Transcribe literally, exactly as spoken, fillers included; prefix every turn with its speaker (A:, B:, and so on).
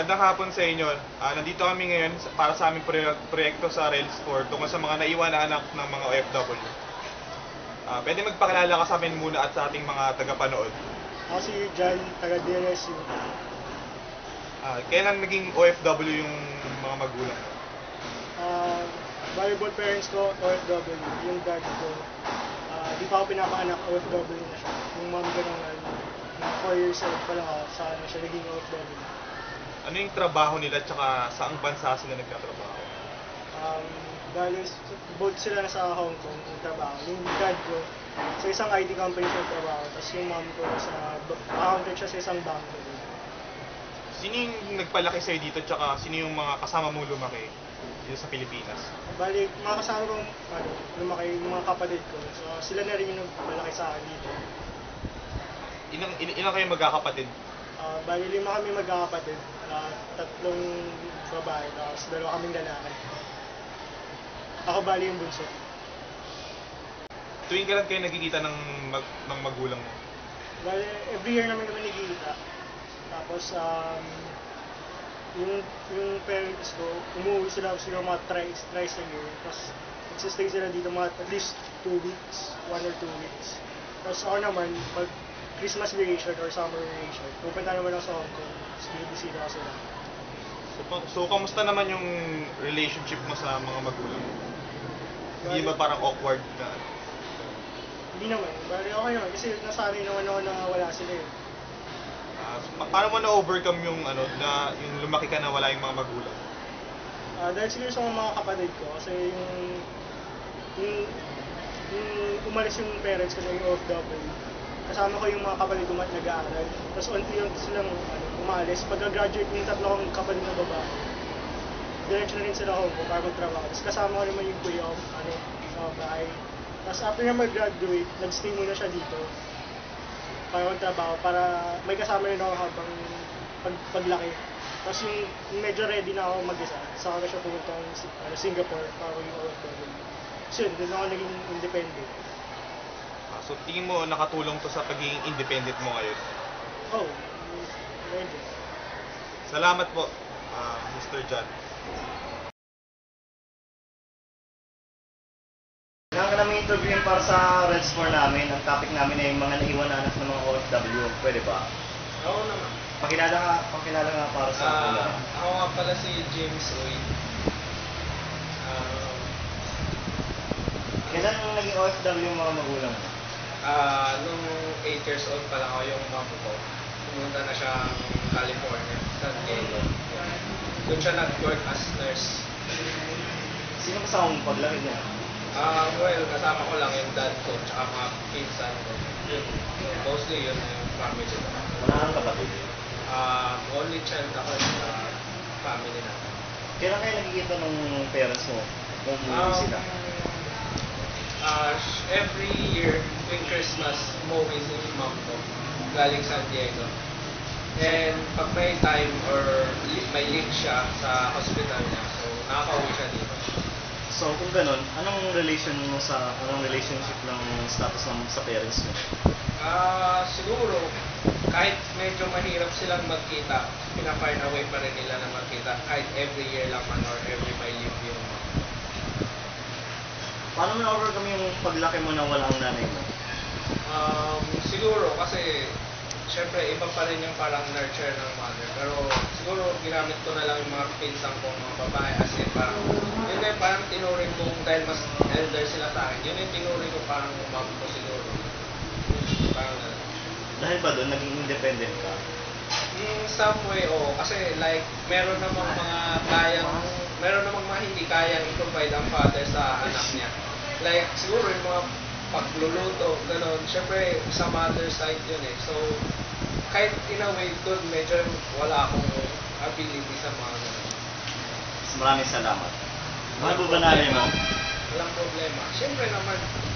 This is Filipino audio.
A: Magandang hapon sa inyo. Ah, nandito kami ngayon sa- para sa aming proye- proyekto sa Rails four tungkol sa mga naiwan na anak ng mga O F W. Ah, pwede magpakilala ka sa amin muna at sa ating mga tagapanood.
B: Ako si John, taga D L S U.
A: Ah, kailan naging O F W yung mga magulang mo?
B: Uh, valuable parents ko, O F W. Yung dad ko, ah, di pa ako pinapaanak, O F W na siya. Yung mom ko naman, na four years old pa lang ako, saka na siya naging O F W.
A: Ano yung trabaho nila at saka saang bansa sila nagtatrabaho?
B: Um, dahil s- both sila nasa Hong Kong yung trabaho. Yung dad ko, sa isang I T company siya trabaho. Tapos yung mom ko, sa b- accountant siya sa isang bangko.
A: Sino yung nagpalaki sa'yo dito at saka sino yung mga kasama mong lumaki dito sa Pilipinas?
B: Bali, mga kasama kong ano, lumaki, yung mga kapatid ko. So, sila na rin yung nagmalaki sa akin dito.
A: Ilang, il- ilang kayo magkakapatid?
B: Ah, bali, lima kami magkakapatid. Ah, tatlong babae, tapos dalawa kaming lalaki. Ako bali yung bunso.
A: Tuwing kailan kayo nagkikita ng, mag, ng magulang mo?
B: Bali, every year namin kami nagkikita. Tapos, um, yung, yung parents ko, umuwi sila sila mga thrice, thrice a year. Tapos, nagsistay sila dito mga at least two weeks, one or two weeks. Tapos ako naman, pag Christmas vacation or summer vacation, pupunta naman ako sa Hong Kong. Tapos, binibisita ko sila.
A: So, pa- so, kamusta naman yung relationship mo sa mga magulang mo? Hindi ba parang awkward na?
B: Hindi naman. Bali, okay naman. Kasi nasanay naman ako na wala sila eh.
A: Ah, so, pa- paano mo na-overcome yung ano na yung lumaki ka na wala yung mga magulang?
B: Ah, dahil siguro sa mga kapatid ko, kasi yung, yung, yung umalis yung parents ko na yung O F W, kasama ko yung mga kapatid ko mat nag-aaral. Tapos unti-unti silang ano, umalis. Pagka-graduate yung tatlo kong kapatid na babae, diretso na rin sila Hong Kong para magtrabaho. Tapos kasama ko naman yung kuya ko ano, sa bahay. Tapos after na mag-graduate, nag-stay muna siya dito para magtrabaho, para may kasama rin ako habang pag, paglaki. Tapos yung, yung medyo ready na ako mag-isa, saka na siya pumunta ng Si- ano, Singapore para maging O F W. So yun, doon ako naging independent.
A: Ah, so tingin mo nakatulong to sa pagiging independent mo ngayon?
B: Oh, medyo.
A: Salamat po, ah, Mister John.
C: Kailangan ka namin interviewin para sa Reds four namin. Ang topic namin ay mga naiwan na anak ng mga O F W. Pwede ba?
D: Oo naman.
C: Pakilala nga, pakilala nga para sa
D: Ah,
C: kanila.
D: ako nga pala si James Uy. Ah,
C: Kailan naging O F W yung mga magulang mo?
D: ah, nung eight years old pa lang ako yung mom ko. Pumunta na siya California, San Diego. Doon siya nag-work as nurse.
C: Sino kasama mong paglaki niya?
D: Ah, well, kasama ko lang yung dad ko tsaka mga pinsan ko. Yun, mostly yun yung family ko.
C: Wala kang kapatid.
D: Ah, only child ako sa family natin.
C: Kailan kayo nakikita ng parents mo? Kung umuwi
D: Um,
C: sila?
D: ah, every year, tuwing Christmas, umuwi si mom ko, galing San Diego. And pag may time or li- may leave siya sa hospital niya, so nakaka-uwi siya dito.
C: So kung ganun, anong relation mo sa, anong relationship ng status ng sa parents mo?
D: Ah, siguro, kahit medyo mahirap silang magkita, pina-find a way pa rin nila na magkita, kahit every year lang man or every may leave yung mom.
C: Paano mo na-overcome yung paglaki mo na wala ang nanay mo?
D: Um, siguro kasi syempre iba pa rin yung parang nurture ng mother, pero siguro ginamit ko na lang yung mga pinsan kong mga babae kasi parang yun na yung parang tinuring ko dahil mas elder sila sa akin, yun yung tinuring ko parang mom ko siguro, parang na
C: Dahil ba doon, naging independent ka?
D: in some way, oh, kasi like meron namang mga kayang meron namang mga hindi kayang i-provide ang father sa anak niya, like siguro yung mga pagluluto, gano'n. Siyempre, sa mother side yun eh. So, kahit in a way, doon medyo wala akong ability sa mga gano'n.
C: Maraming salamat. Mahal mo ba nanay mo?
D: Walang problema. Siyempre naman,